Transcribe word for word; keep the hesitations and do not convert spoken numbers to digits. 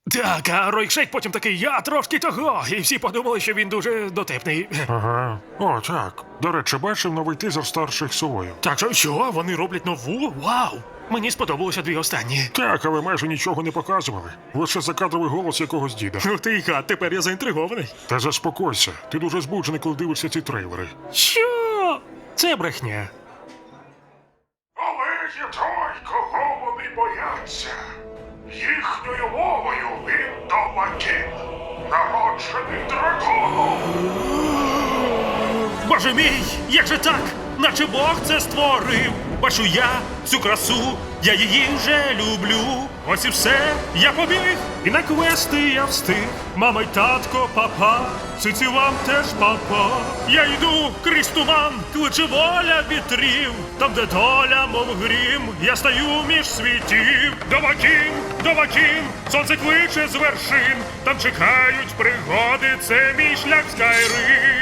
Так, а Ройкшейк потім такий, я трошки того, і всі подумали, що він дуже дотепний. Ага. О, так. До речі, бачив новий тизер старших совою. Так що, що, вони роблять нову? Вау! Мені сподобалося дві останні. Так, але майже нічого не показували. Лише закадровий голос якогось діда. Ну ти й гад, тепер я заінтригований. Та заспокойся, ти дуже збуджений, коли дивишся ці трейлери. Що? Це брехня. Але є той, кого вони бояться. Їхньою мовою він Домакін, народжений драконом. Боже мій, як же так? Наче Бог це створив. Бачу я цю красу, я її вже люблю. Ось і все, я побіг, і на квести я встиг. Мама й татко, папа, циці вам теж папа. Я йду крізь туман, кличе воля вітрів. Там, де доля, мов грім, я стаю між світів. Домакін, Домакін, сонце кличе з вершин. Там чекають пригоди, це мій шлях в Скайрим.